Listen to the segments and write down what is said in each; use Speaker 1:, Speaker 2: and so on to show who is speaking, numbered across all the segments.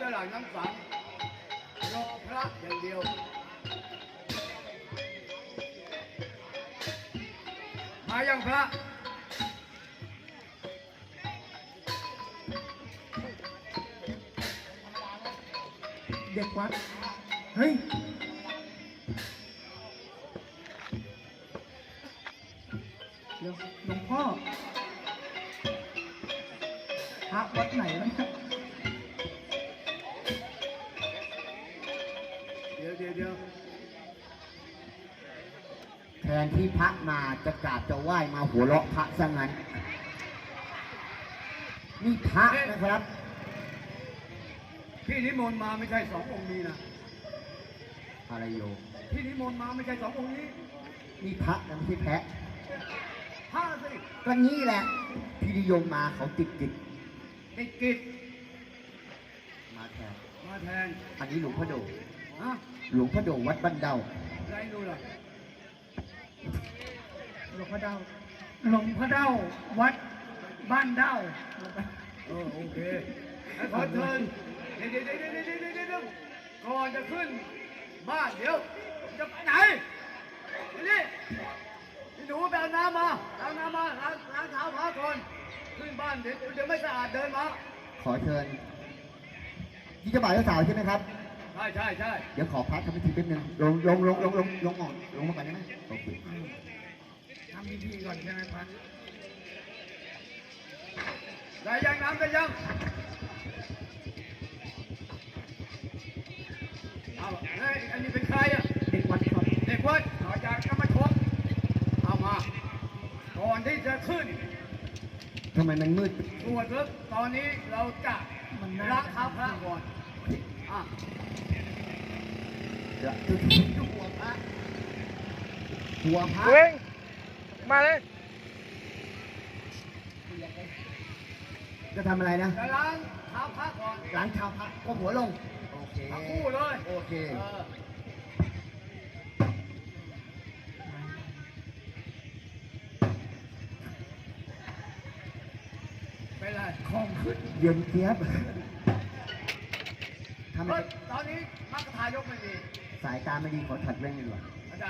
Speaker 1: จะหลังน้ำสังรอพระอย่างเดียวมายังพระ
Speaker 2: เด็กวัดเฮ้ยเดี๋ยวหลวงพ่อพระวัดไหนวะเนี่ย
Speaker 1: เดี๋ยว
Speaker 3: แทนที่พระมาจะกราบจะไหว้มาหัวเราะพระซะงั้นนี่พระนะครับ
Speaker 1: พี่นิมนต์มาไม่ใช่สององค์นี้นะ
Speaker 3: อะไรโยม
Speaker 1: พี่นิมนต์มาไม่ใช่สององค์นี้
Speaker 3: นี่พระนะไม่ใช่แพะ
Speaker 1: พระสิ
Speaker 3: ก็นี่แหละพี่นิยมมาเขาติดกิจ
Speaker 1: ติดกิจ
Speaker 3: มาแทน
Speaker 1: มาแทน
Speaker 3: อันนี้หลวงพ่อโด
Speaker 1: ฮะ
Speaker 3: หลวงพ่อโดวัดบ้านเดา
Speaker 1: ไรดูล่ะ
Speaker 2: หลวงพ่อเด้าหลวงพ่อเด้าวัดบ้านเด้า
Speaker 1: โอเคให้ขอเชิญเดี๋ยวก่อนจะขึ้นบ้านเดี๋ยวจะไปไหนนี่หนูไปเอาน้ำมาเอาน้ำมาล้างเท้าพระก่อนขึ้นบ้านเดี๋ยวไม่สะอาดเดินมา
Speaker 3: ขอเชิญยี่เจ้าบ่าวเจ้าสาวใช่ไหมครับ
Speaker 1: ใช่
Speaker 3: เดี๋ยวขอพักทำพิธีแป๊บนึงลงก่อนลงมาก่อนได้ไหมโอเค
Speaker 2: ทำพิธีก่อนใช่ไหมพัน
Speaker 1: ได้ยังน้ำได้ยังเอาเฮ้ยอันนี้เป็นใครอ่ะ
Speaker 2: เด็กวัดครับ
Speaker 1: เด็กวัดต่อจากกรรมชนเอามาก่อนที่จะขึ้น
Speaker 3: ทำไมมันมืด
Speaker 1: ตรวจแล้วตอนนี้เราจะล้างเท้าพระก่อนอ่ะ
Speaker 3: เดี๋ยวหัวพระหัวพระ
Speaker 2: เว้งมาเลย
Speaker 3: จะทำอะไรนะ
Speaker 1: จะล้างเท้าพระก่อน
Speaker 3: ล้างเท้าพระก็หัวลงโอเค
Speaker 1: ทั้งคู่เลย
Speaker 3: โอเค
Speaker 1: เป็นไร
Speaker 2: ของขึ้น
Speaker 3: เย็นเจี๊ยบทำไม
Speaker 1: เฮ้ยตอนนี้มรรคทายกไม่มี
Speaker 3: สายตาไม่ดีขอถัดแว่นดีกว่า
Speaker 1: ได้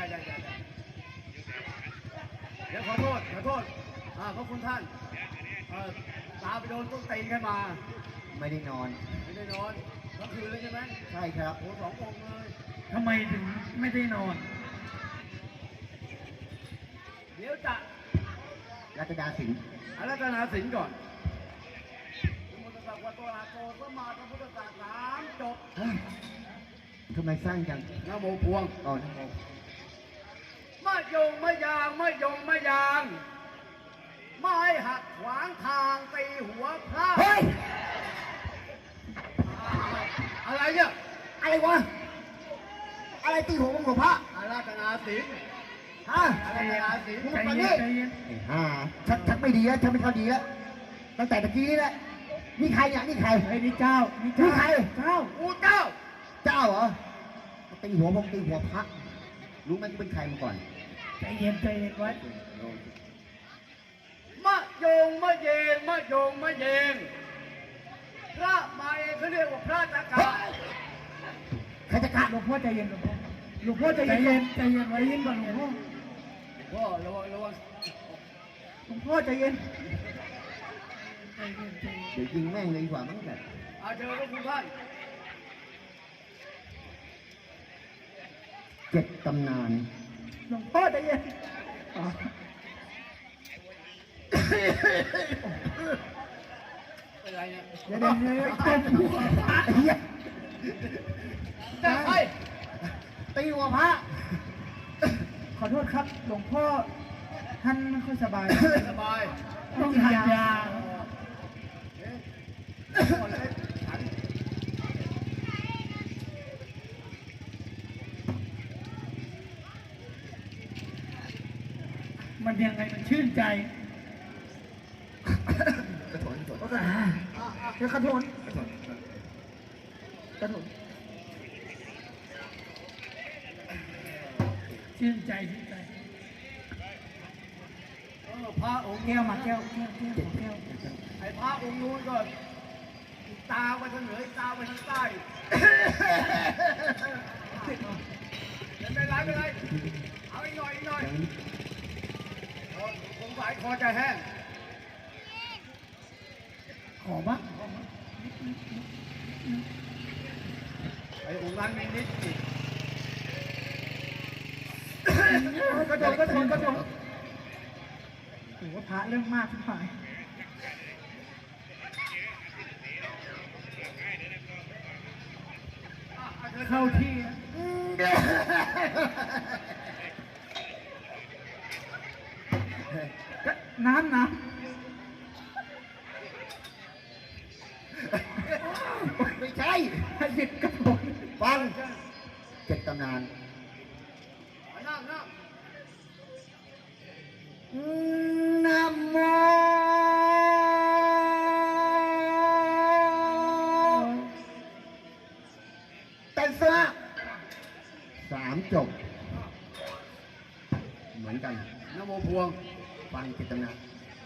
Speaker 1: เดี๋ยวขอโทษขอบคุณท่านตาไปโดนต้นตีนขึ้นมา
Speaker 3: ไม่ได้นอน
Speaker 1: ไม่ได้นอนทั้งคืนเลยใช่ไหม
Speaker 3: ใช่ครับ
Speaker 1: โอ้สององค์เลย
Speaker 2: ทำไมถึงไม่ได้นอน
Speaker 1: เดี๋ยวจะ
Speaker 3: รัตดาสิงห์
Speaker 1: อารัตนาสินก่อนสมุทรสาครตัวอาโกสมาพระพุทธศาสนาจบ
Speaker 3: เฮ้ยทำไมสร้างจัง
Speaker 1: นะโมพวง
Speaker 3: อ๋อนะโม
Speaker 1: มะยงมะยางไม่หักขวางทางตีหัวพระ
Speaker 3: เฮ้ย
Speaker 1: อะไรเนี่ย
Speaker 3: อะไรวะ อะไรตีหัวของหลวงพระ
Speaker 1: อารัตนาสิน
Speaker 3: ฮะ
Speaker 1: อารัตนาสิน
Speaker 3: มึง
Speaker 2: ใจ
Speaker 3: มา
Speaker 2: เย็
Speaker 3: นี่
Speaker 2: นใจเย็น
Speaker 3: ไอ้ห่าชักไม่ดีแล้วชักไม่เข้าดีแล้วตั้งแต่ตะกี้นี่แหละนี่ใครเนี่ยนี่ใคร
Speaker 2: ไอ้นี่เจ้านี่
Speaker 3: นี่ใคร
Speaker 2: เจ้า
Speaker 1: กูเจ้า
Speaker 3: เจ้าเหรอตีหัวผมตีหัวพระรู้ไหมกูเป็นใครมาก่อน
Speaker 2: ใจเย็นไว้
Speaker 1: มะยงมะเยงพระมาเองเขาเรียกว่าพระตะกา
Speaker 3: ใครจะกะ
Speaker 2: หลวงพ่อใจเย็นหลวงพ่อใจเย็นใจเย็นไว้ยิ้มก่อนหลวงพ่อ
Speaker 1: พ่อระวัง
Speaker 2: หลวงพ่อใจเย็นใจเย็น
Speaker 3: เดี๋ยวยิงแม่งเลยดีกว่ามั้งแบบ
Speaker 1: อาเจอพระคุณท่าน
Speaker 3: 7 ตำนาน
Speaker 2: หลวงพ่อใจเย็นอ๋อ
Speaker 1: เป็นไรเนี่ย
Speaker 2: เดี๋ยวต้มหัวพระ
Speaker 3: ไอ้เหี้ย
Speaker 1: แต่ใคร
Speaker 3: ตีหัวพระ
Speaker 2: ขอโทษครับหลวงพ่อท่านไม่ค่อยสบาย
Speaker 1: สบาย
Speaker 2: ต้องกินยา
Speaker 1: คนเล็กฉัน
Speaker 2: มันยังไงมันชื่นใจ
Speaker 3: กระโถน
Speaker 2: เดี๋ยวขอโทษกระโถนชื่นใจ
Speaker 1: พระองค์
Speaker 2: แก้วมาแก้ว
Speaker 1: ไอ้พระองค์นู้นก็ตาไปทางเหนือตาไปทางใต้ไม่เป็นไรเอาอีกหน่อยสงสัยคอจะแห้ง
Speaker 2: ขอบ้าง
Speaker 1: ไอ้องค์นั้นนิดๆอีก
Speaker 2: กระโดดโอ้โหพระเรื่องมากทุกฝ่ายเข้าที่นะก็น้ำ
Speaker 3: ไม่ใช่
Speaker 2: ให้หยิบกระโดด
Speaker 3: ฟังเจ็ดตำนาน
Speaker 1: นั่ง
Speaker 3: นะโมตัสสะสามจบ เหมือนกัน
Speaker 1: นโมพวง
Speaker 3: ฟังเจ็ดตำนาน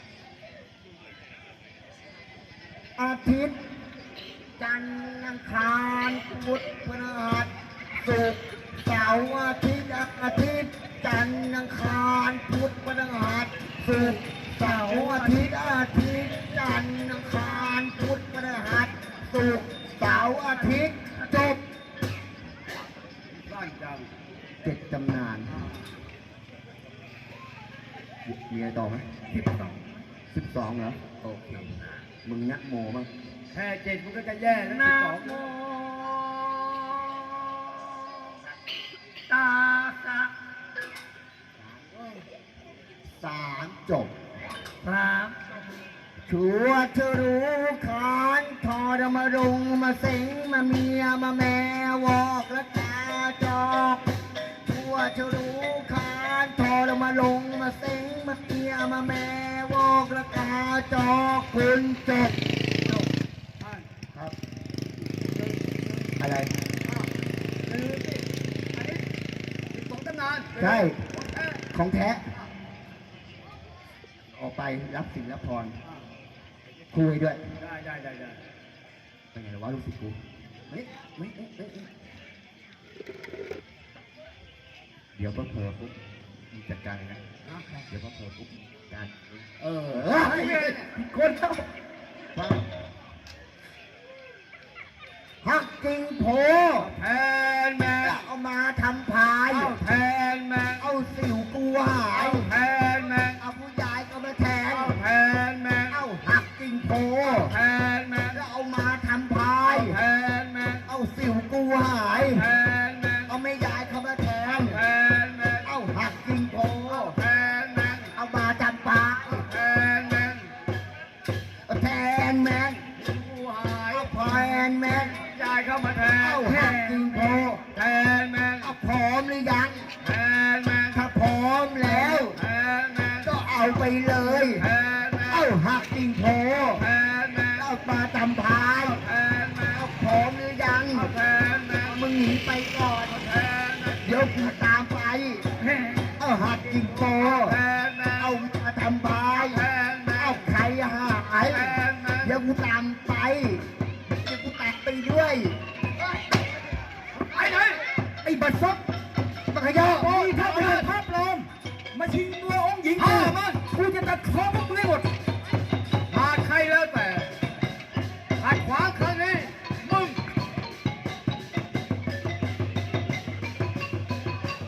Speaker 3: อาทิตย์ จันทร์อังคารพุธพฤหัสศุกร์เสาร์อาทิตย์จันทร์อังคารพุธพฤหัสศุกร์เสาร์อาทิตย์จันทร์อังคารพุธพฤหัสศุกร์เสาร์อาทิตย์จบ
Speaker 1: สั้นจัง
Speaker 3: เจ็ดตำนานมีอะไรต่อไหม12เหรอโอเคมึงนะโมบ้าง
Speaker 1: แค่เจ็ดมันก็จะแย่แล้ว
Speaker 2: นะ
Speaker 1: 12
Speaker 2: โมตาสะ
Speaker 3: สามจบ
Speaker 2: สาม
Speaker 3: ชัวชรู้ขานทอดมารุงมาเสิงมาเมียมาแม่วอกและกาจอกชัวชรู้ขานทอดมาลงมาเสิงมาเมียมาแม่วอกและกาจอกคุณจบครับอะไร
Speaker 1: ลืมสิอันนี้12 ตำนาน
Speaker 3: ใช่
Speaker 1: ของแท้
Speaker 3: ของแท้ ออกไปรับสิ่งรับพรคุยด้วย
Speaker 1: ได้
Speaker 3: เป็นไงวะลูกศิษย์กูไม่เดี๋ยวพอเผลอปุ๊บมีจัดการเลยนะเดี๋ยวพอเผลอปุ๊บการคนเข้าฮักจริงโผ
Speaker 1: แทนแม่
Speaker 3: เอามาทำพาย
Speaker 1: เอาแทนแม่
Speaker 3: เอาสิวกูหาย
Speaker 1: เอาแทนแม่
Speaker 3: เอาผู้ใหญ่ก็มาแทน
Speaker 1: เอาแทนแม่
Speaker 3: เอาหักจริงโผ
Speaker 1: แทนแม่
Speaker 3: แล้วเอามาทำพา
Speaker 1: เอา
Speaker 3: ย
Speaker 1: แทนแม่
Speaker 3: เอาสิวกูหาย
Speaker 1: แทนแม่
Speaker 3: เอาไม่ยายเขามาแทน
Speaker 1: แทนแม่
Speaker 3: เอาหักจริงโผ
Speaker 1: แทนแม่
Speaker 3: เอามาจำปา
Speaker 1: แทนแม่
Speaker 3: แทนแมน
Speaker 1: ผู้หาย
Speaker 3: เอาแทนแมน
Speaker 1: ยายเข้ามาแทน
Speaker 3: เอาหักจริงโผ
Speaker 1: แทนแม่
Speaker 3: เอาพร้อมหรือยัง
Speaker 1: แทนแม่
Speaker 3: ถ้าพร้อมแล้ว
Speaker 1: แทนแม่
Speaker 3: ก็เอาไปเลย
Speaker 1: แทนแม่
Speaker 3: เอาหักจริงโผ
Speaker 1: แทนแม่
Speaker 3: เอามาจำพาย
Speaker 1: แทนแม่
Speaker 3: เอาพร้อมหรือยัง
Speaker 1: แทนแม่
Speaker 3: มึงหนีไปก่อน
Speaker 1: แทนแม่
Speaker 3: เดี๋ยวกูตามไปเอาหักจริงโผ
Speaker 1: แทนแม่
Speaker 3: เอามาทำพาย
Speaker 1: แทนแม่
Speaker 3: เอาใครหาย
Speaker 1: แทนแม่
Speaker 3: เดี๋ยวกูตามไป เดี๋ยวกูตัดไปด้วย
Speaker 1: ไปไหน
Speaker 3: ไอ้บัตรซบบักขยอ
Speaker 2: โอ้ยภาพปลอมมาชิงตัวองค์หญิงกูกูจะตัดคอพวก